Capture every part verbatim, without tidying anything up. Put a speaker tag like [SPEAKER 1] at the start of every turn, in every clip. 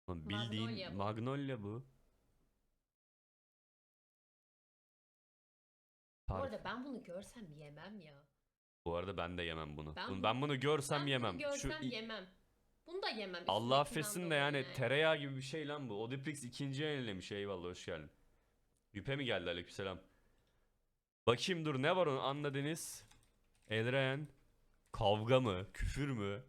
[SPEAKER 1] Lan bildiğin
[SPEAKER 2] Magnolia bu.
[SPEAKER 1] Magnolia bu.
[SPEAKER 2] Bu
[SPEAKER 1] Parf.
[SPEAKER 2] arada ben bunu görsem yemem ya.
[SPEAKER 1] Bu arada ben de yemem bunu.
[SPEAKER 2] Ben
[SPEAKER 1] Bunu-
[SPEAKER 2] bunu-
[SPEAKER 1] Ben bunu görsem
[SPEAKER 2] Ben
[SPEAKER 1] yemem.
[SPEAKER 2] bunu
[SPEAKER 1] Şu
[SPEAKER 2] görsem
[SPEAKER 1] i-
[SPEAKER 2] yemem. Bunu da yemem.
[SPEAKER 1] Allah
[SPEAKER 2] üstündekinden
[SPEAKER 1] affetsin de
[SPEAKER 2] dolayı
[SPEAKER 1] yani tereyağı gibi bir şey lan bu. Odiprix ikinci yenilemiş. Eyvallah hoş geldin. Yüpe mi geldi, aleykümselam. Bakayım dur, ne var onun, Anna Deniz. Elren. Kavga mı? Küfür mü?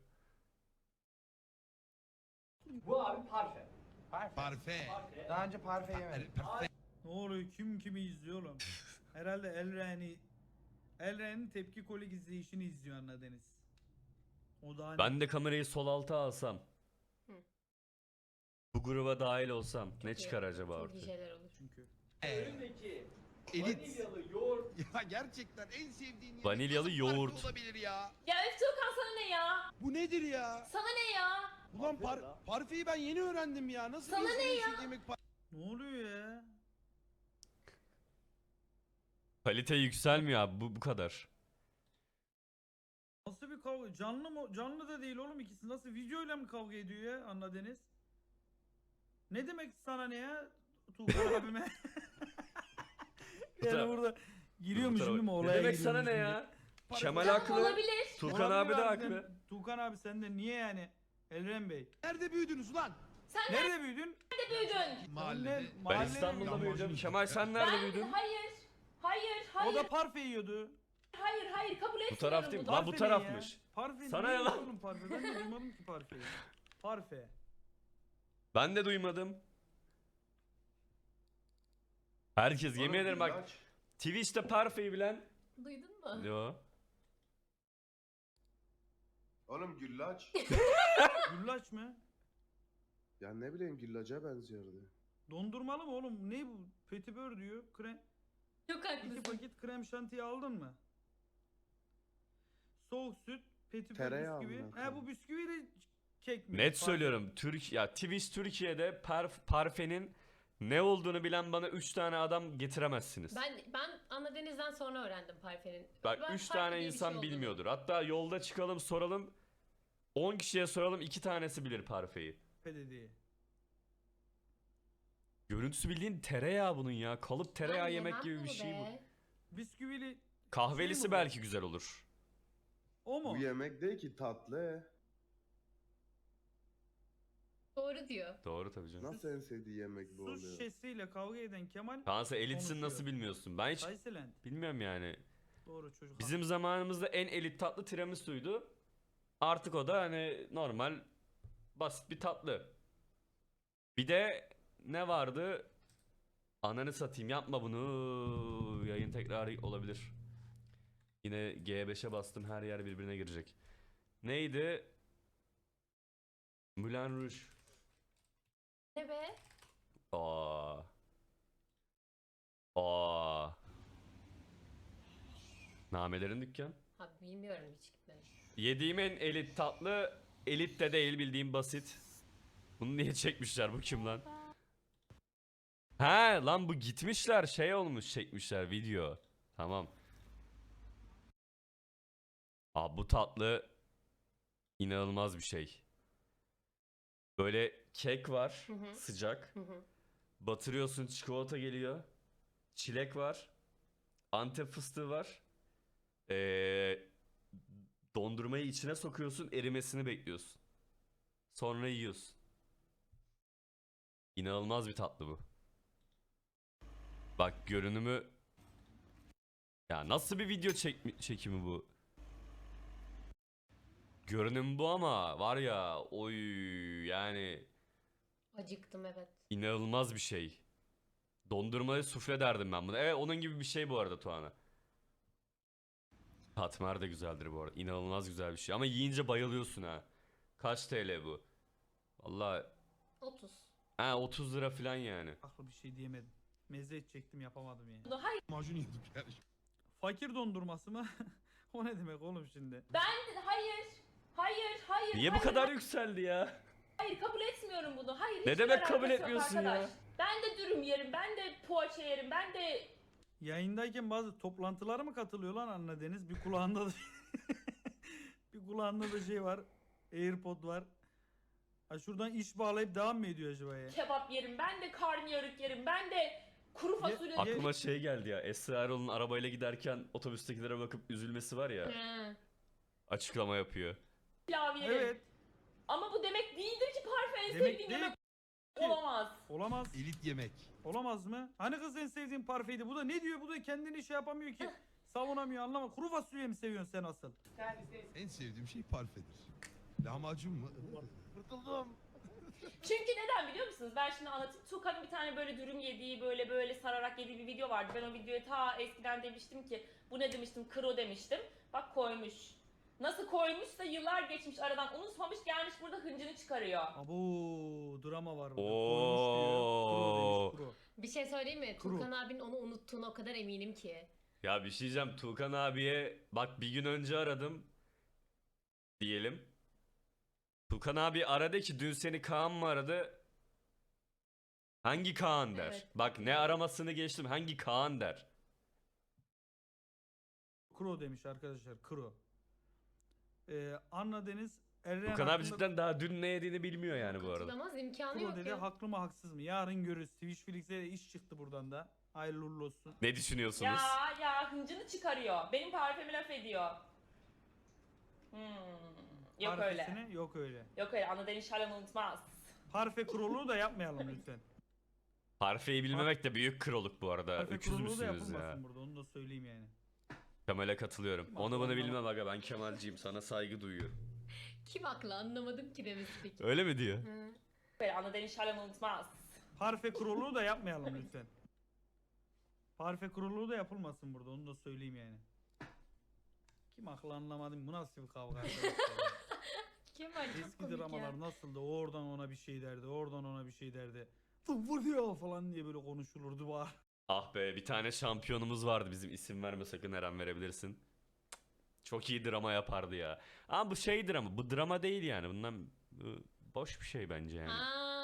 [SPEAKER 3] Bu abi parfe.
[SPEAKER 4] Parfe.
[SPEAKER 5] Parfe.
[SPEAKER 4] Daha önce parfe yemedim.
[SPEAKER 6] Ne oluyor? Kim kimi izliyor oğlum? Herhalde Elren'i Elren'in tepki kolik izleyişini izliyor Anna Deniz. O da hani
[SPEAKER 1] Ben de kamerayı sol alta alsam.
[SPEAKER 2] Hı.
[SPEAKER 1] Bu gruba dahil olsam ne
[SPEAKER 2] iyi.
[SPEAKER 1] çıkar acaba
[SPEAKER 2] Çok iyi
[SPEAKER 1] ortaya?
[SPEAKER 2] şeyler olur.
[SPEAKER 6] çünkü.
[SPEAKER 3] Önündeki
[SPEAKER 5] Elit.
[SPEAKER 3] vanilyalı yoğurt.
[SPEAKER 5] Ya gerçekten en sevdiğin yemek
[SPEAKER 1] Vanilyalı
[SPEAKER 5] nasıl parfe
[SPEAKER 1] yoğurt.
[SPEAKER 5] olabilir ya?
[SPEAKER 2] Ya Öftuğkan sana ne ya?
[SPEAKER 5] Bu nedir ya?
[SPEAKER 2] Sana ne ya?
[SPEAKER 5] Ulan
[SPEAKER 3] Parfe
[SPEAKER 5] par
[SPEAKER 3] ya.
[SPEAKER 5] parfeyi ben yeni öğrendim ya. Nasıl
[SPEAKER 2] Sana
[SPEAKER 5] bir insan
[SPEAKER 2] ne
[SPEAKER 5] en
[SPEAKER 2] ya?
[SPEAKER 5] sevdiği yemek par-
[SPEAKER 6] Ne oluyor ya?
[SPEAKER 1] Kalite yükselmiyor abi, bu bu kadar.
[SPEAKER 6] Nasıl bir kavga? Canlı mı? Canlı da değil oğlum ikisi. Nasıl videoyla mı kavga ediyor ya Anna Deniz? Ne demek sana ne ya? Tuğkan abime. yani
[SPEAKER 1] taraf-
[SPEAKER 6] burada giriyormuş
[SPEAKER 1] Bu
[SPEAKER 6] değil mi
[SPEAKER 1] tarafa-
[SPEAKER 6] olaya
[SPEAKER 1] Ne demek sana
[SPEAKER 6] giriyormuş
[SPEAKER 1] ne
[SPEAKER 6] şimdi.
[SPEAKER 1] ya?
[SPEAKER 5] Para-
[SPEAKER 1] Kemal
[SPEAKER 2] Tamam,
[SPEAKER 1] haklı.
[SPEAKER 2] olabilir.
[SPEAKER 1] Turkan
[SPEAKER 6] Olabilir
[SPEAKER 1] abi de
[SPEAKER 6] harbiden.
[SPEAKER 1] haklı.
[SPEAKER 6] Tuğkan abi sen de niye yani? Elren Bey.
[SPEAKER 5] Nerede büyüdünüz ulan?
[SPEAKER 2] Sen
[SPEAKER 6] Nerede büyüdün?
[SPEAKER 2] nerede büyüdün?
[SPEAKER 5] Mahallede.
[SPEAKER 6] Ben
[SPEAKER 1] Ben
[SPEAKER 6] Mahallede
[SPEAKER 1] İstanbul'da
[SPEAKER 5] büyüdüm.
[SPEAKER 1] büyüdüm. Kemal sen nerede
[SPEAKER 2] Ben-
[SPEAKER 1] büyüdün?
[SPEAKER 2] Hayır. Hayır,
[SPEAKER 6] O
[SPEAKER 2] hayır,
[SPEAKER 6] da parfe yiyordu.
[SPEAKER 2] hayır, hayır kabul etmiyorum
[SPEAKER 1] taraf değil mi?
[SPEAKER 2] bunu.
[SPEAKER 1] Lan bu
[SPEAKER 6] Parfe ne
[SPEAKER 1] tarafmış.
[SPEAKER 6] ya? Parfe
[SPEAKER 1] Sana
[SPEAKER 6] ne
[SPEAKER 1] ne lan?
[SPEAKER 6] oğlum parfe? Ben de duymadım ki parfeyi. Parfe.
[SPEAKER 1] Ben de duymadım. Herkes yemin
[SPEAKER 7] Oğlum,
[SPEAKER 1] ederim bak,
[SPEAKER 7] güllaç.
[SPEAKER 1] Twitch'te Parfe'yi bilen.
[SPEAKER 2] Duydun mu?
[SPEAKER 1] Yo.
[SPEAKER 7] Oğlum güllaç.
[SPEAKER 6] Güllaç mı?
[SPEAKER 7] Ya ne bileyim güllaca benziyordu.
[SPEAKER 6] Dondurmalı mı oğlum? Ne bu? Petibör diyor. Krem.
[SPEAKER 2] Çok
[SPEAKER 6] İki
[SPEAKER 2] haklısın.
[SPEAKER 6] paket krem şantiyi aldın mı? Soğuk süt, petibör
[SPEAKER 7] Tereyağı
[SPEAKER 6] bisküvi.
[SPEAKER 7] amına
[SPEAKER 6] He
[SPEAKER 7] koyayım.
[SPEAKER 6] bu bisküviyle kek mi?
[SPEAKER 1] Net
[SPEAKER 6] Parfe.
[SPEAKER 1] söylüyorum. Türk ya Twitch Türkiye'de parf, Parfe'nin ne olduğunu bilen bana üç tane adam getiremezsiniz.
[SPEAKER 2] Ben ben Anna Deniz'den sonra öğrendim parfenin.
[SPEAKER 1] Bak
[SPEAKER 2] Ben
[SPEAKER 1] üç
[SPEAKER 2] parfe
[SPEAKER 1] tane
[SPEAKER 2] diye bir şey
[SPEAKER 1] insan
[SPEAKER 2] olduğunu-
[SPEAKER 1] bilmiyordur. Hatta yolda çıkalım soralım. on kişiye soralım, iki tanesi bilir Parfe'yi.
[SPEAKER 6] Dedi.
[SPEAKER 1] Görüntüsü bildiğin tereyağı bunun ya. Kalıp tereyağı
[SPEAKER 2] Ben
[SPEAKER 1] yemek
[SPEAKER 2] yemem
[SPEAKER 1] gibi bir
[SPEAKER 2] bunu
[SPEAKER 1] şey bu.
[SPEAKER 2] be.
[SPEAKER 6] Bisküvili
[SPEAKER 1] Kahvelisi
[SPEAKER 6] Şey mi bu?
[SPEAKER 1] belki güzel olur.
[SPEAKER 6] o mu?
[SPEAKER 7] Bu yemek değil ki tatlı.
[SPEAKER 2] Doğru diyor.
[SPEAKER 1] Doğru tabii canım.
[SPEAKER 7] Nasıl en sevdiği yemek bu
[SPEAKER 6] Su
[SPEAKER 7] oluyor?
[SPEAKER 6] şişesiyle kavga eden Kemal
[SPEAKER 1] Kansa elitsin
[SPEAKER 6] konuşuyor.
[SPEAKER 1] nasıl bilmiyorsun? Ben hiç
[SPEAKER 6] Kayselen.
[SPEAKER 1] bilmiyorum yani.
[SPEAKER 6] Doğru çocuk.
[SPEAKER 1] Bizim zamanımızda en elit tatlı tiramisu'ydu. Artık o da hani normal basit bir tatlı. Bir de ne vardı? Ananı satayım, yapma bunu. Yayın tekrar olabilir. Yine G beşe bastım, her yer birbirine girecek. Neydi? Moulin Rouge.
[SPEAKER 2] Ne be?
[SPEAKER 1] Aa. Aa. Namelerin dükkan.
[SPEAKER 2] Abi bilmiyorum hiç gitmedim.
[SPEAKER 1] Yediğim en elit tatlı, elit de değil, bildiğim basit. Bunu niye çekmişler, bu kim lan? He lan, bu gitmişler şey olmuş, çekmişler video. Tamam. Abi bu tatlı inanılmaz bir şey. Böyle kek var,
[SPEAKER 2] Hı hı.
[SPEAKER 1] sıcak.
[SPEAKER 2] Hı hı.
[SPEAKER 1] Batırıyorsun, çikolata geliyor. Çilek var. Antep fıstığı var. Ee, dondurmayı içine sokuyorsun, erimesini bekliyorsun. Sonra yiyorsun. İnanılmaz bir tatlı bu. Bak görünümü. Ya nasıl bir video çek çekimi bu? Görünüm bu ama var ya, oy yani
[SPEAKER 2] Acıktım evet.
[SPEAKER 1] inanılmaz bir şey. Dondurmayı sufle derdim ben buna. Evet, onun gibi bir şey bu arada Tuana. Katmer de güzeldir bu arada. İnanılmaz güzel bir şey. Ama yiyince bayılıyorsun ha. Kaç T L bu? Vallahi
[SPEAKER 2] otuz.
[SPEAKER 1] ha otuz lira falan yani.
[SPEAKER 6] Aklı bir şey diyemedim. Meze edecektim yapamadım yani.
[SPEAKER 2] Bunu hayır.
[SPEAKER 5] Macun yedik yani.
[SPEAKER 6] Fakir dondurması mı? O ne demek oğlum şimdi?
[SPEAKER 2] Ben hayır. Hayır, hayır.
[SPEAKER 1] Niye bu
[SPEAKER 2] hayır,
[SPEAKER 1] kadar yükseldi ya?
[SPEAKER 2] Hayır kabul etmiyorum bunu. Hayır.
[SPEAKER 1] Ne
[SPEAKER 2] hiçbir
[SPEAKER 1] demek kabul
[SPEAKER 2] alakası yok
[SPEAKER 1] etmiyorsun ya?
[SPEAKER 2] arkadaş. Ben de dürüm yerim. Ben de poğaça yerim. Ben de
[SPEAKER 6] Yayındayken bazı toplantılara mı katılıyor lan Anna Deniz? Bir kulağında da bir kulağında da şey var. AirPod var. Ha şuradan iş bağlayıp devam mı ediyor acaba ya?
[SPEAKER 2] kebap yerim, ben de karnıyarık yerim, ben de kuru fasulye yerim.
[SPEAKER 1] Aklıma şey geldi ya. Esra Erol'un arabayla giderken otobüstekilere bakıp üzülmesi var ya.
[SPEAKER 4] Hı.
[SPEAKER 1] Açıklama yapıyor.
[SPEAKER 2] Pilav yerim.
[SPEAKER 6] Evet.
[SPEAKER 2] Ama bu demek değildir ki parfe en
[SPEAKER 6] Demek
[SPEAKER 2] sevdiğim
[SPEAKER 6] değil
[SPEAKER 2] yemek
[SPEAKER 6] ki.
[SPEAKER 2] olamaz.
[SPEAKER 6] Olamaz.
[SPEAKER 5] Elit yemek.
[SPEAKER 6] Olamaz mı? Hani kız en sevdiğin parfeydi. Bu da ne diyor? Bu da kendini şey yapamıyor ki. Savunamıyor, anlama. Kuru fasulye mi seviyorsun sen asıl?
[SPEAKER 5] En sevdiğim şey parfedir. Lahmacun mu? Kurtuldum.
[SPEAKER 2] Çünkü neden biliyor musunuz? Ben şimdi anlatayım. Tuğkan'ın bir tane böyle dürüm yediği, böyle böyle sararak yediği bir video vardı. Ben o videoya ta eskiden demiştim ki, bu ne demiştim? Kro demiştim. Bak koymuş. Nasıl koymuşsa yıllar geçmiş aradan unutmamış, gelmiş burada hıncını çıkarıyor.
[SPEAKER 6] Abo, drama var burada.
[SPEAKER 1] Oo.
[SPEAKER 6] Koymuş diyor. Kuru demiş, kuru.
[SPEAKER 4] Bir şey söyleyeyim mi?
[SPEAKER 6] Kuru.
[SPEAKER 4] Tuğkan abinin onu unuttuğuna o kadar eminim ki.
[SPEAKER 1] Ya bir şey diyeceğim. Tuğkan abiye bak bir gün önce aradım. Diyelim. Tuğkan abi aradı ki dün seni Kaan mı aradı? Hangi Kaan der.
[SPEAKER 4] Evet.
[SPEAKER 1] Bak ne aramasını geçtim. Hangi Kaan der.
[SPEAKER 6] Kuro demiş arkadaşlar. Kuro. Ee, Anna Deniz Eren
[SPEAKER 1] Tuğkan abi
[SPEAKER 6] hakkında
[SPEAKER 1] cidden daha dün ne yediğini bilmiyor yani bu arada.
[SPEAKER 4] Katılamaz, imkanı
[SPEAKER 6] Kuro
[SPEAKER 4] yok
[SPEAKER 6] dedi.
[SPEAKER 4] ya.
[SPEAKER 6] Haklı mı haksız mı? Yarın görürüz. Twitch Felix'e de iş çıktı buradan da. Hayırlı uğurlu olsun.
[SPEAKER 1] Ne düşünüyorsunuz?
[SPEAKER 2] Ya ya hıncını çıkarıyor. Benim parfemi laf ediyor. Hmm. Yok öyle.
[SPEAKER 6] Parfesini yok öyle.
[SPEAKER 2] Yok öyle. Anadolu inşallah unutmaz.
[SPEAKER 6] Parfe kuruluğu da yapmayalım lütfen.
[SPEAKER 1] Parfeyi bilmemek de büyük kroluk bu arada.
[SPEAKER 6] Parfe
[SPEAKER 1] Öküz
[SPEAKER 6] kuruluğu da
[SPEAKER 1] müsünüz
[SPEAKER 6] yapılmasın
[SPEAKER 1] ya?
[SPEAKER 6] burada. Onu da söyleyeyim yani.
[SPEAKER 1] Kemal'e katılıyorum.
[SPEAKER 6] Kim
[SPEAKER 1] Onu
[SPEAKER 6] haklı
[SPEAKER 1] bunu
[SPEAKER 6] anlamadım.
[SPEAKER 1] bilmem aga, ben Kemalciyim, sana saygı duyuyorum.
[SPEAKER 4] Kim haklı anlamadım ki demesi peki.
[SPEAKER 1] Öyle mi diyor?
[SPEAKER 4] Hı.
[SPEAKER 2] Yok öyle. Anadolu inşallah unutmaz.
[SPEAKER 6] Parfe kuruluğu da yapmayalım lütfen. Parfe kuruluğu da yapılmasın burada. Onu da söyleyeyim yani. Kim haklı anlamadım. Bu nasıl bir kavga arkadaşlar ya?
[SPEAKER 4] Kemal çok
[SPEAKER 6] Eski
[SPEAKER 4] komik
[SPEAKER 6] dramalar
[SPEAKER 4] ya.
[SPEAKER 6] nasıldı? Oradan ona bir şey derdi. Oradan ona bir şey derdi. Vuruyor falan diye böyle konuşulurdu var.
[SPEAKER 1] Ah be, bir tane şampiyonumuz vardı bizim, isim verme sakın, Eren verebilirsin. Cık, çok iyi drama yapardı ya. Ama bu şey drama, bu drama değil yani. Bundan bu boş bir şey bence yani.
[SPEAKER 4] Aa,